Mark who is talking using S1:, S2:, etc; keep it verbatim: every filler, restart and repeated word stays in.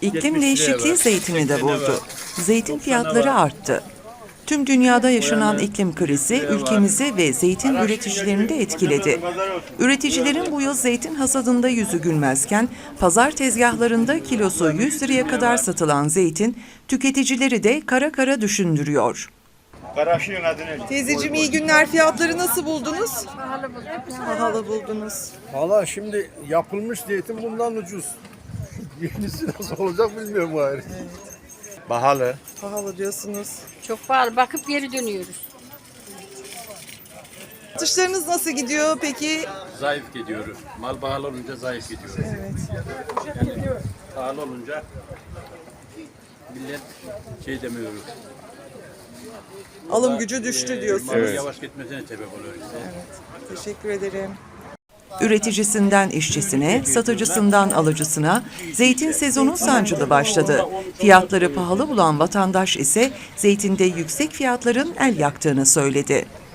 S1: İklim değişikliği zeytini de vurdu. Zeytin fiyatları arttı. Tüm dünyada yaşanan iklim krizi ülkemizi ve zeytin üreticilerini de etkiledi. Üreticilerin bu yıl zeytin hasadında yüzü gülmezken, pazar tezgahlarında kilosu yüz liraya kadar satılan zeytin, tüketicileri de kara kara düşündürüyor.
S2: Teyzeciğim iyi günler. Fiyatları nasıl buldunuz? Pahalı bulduk. Pahalı buldunuz.
S3: Valla şimdi yapılmış zeytin bundan ucuz. Yenisi nasıl olacak bilmiyorum gayrı. Pahalı.
S2: Pahalı diyorsunuz.
S4: Çok pahalı. Bakıp geri dönüyoruz.
S2: Satışlarınız nasıl gidiyor peki?
S5: Zayıf gidiyor. Mal pahalı olunca zayıf gidiyor. Evet. Yani pahalı olunca millet şey demiyor.
S2: Alım gücü düştü
S5: Ee,
S2: diyorsunuz.
S5: malın yavaş gitmesine sebep oluyor işte.
S2: Evet. Teşekkür ederim.
S1: Üreticisinden işçisine, satıcısından alıcısına zeytin sezonu sancılı başladı. Fiyatları pahalı bulan vatandaş ise zeytinde yüksek fiyatların el yaktığını söyledi.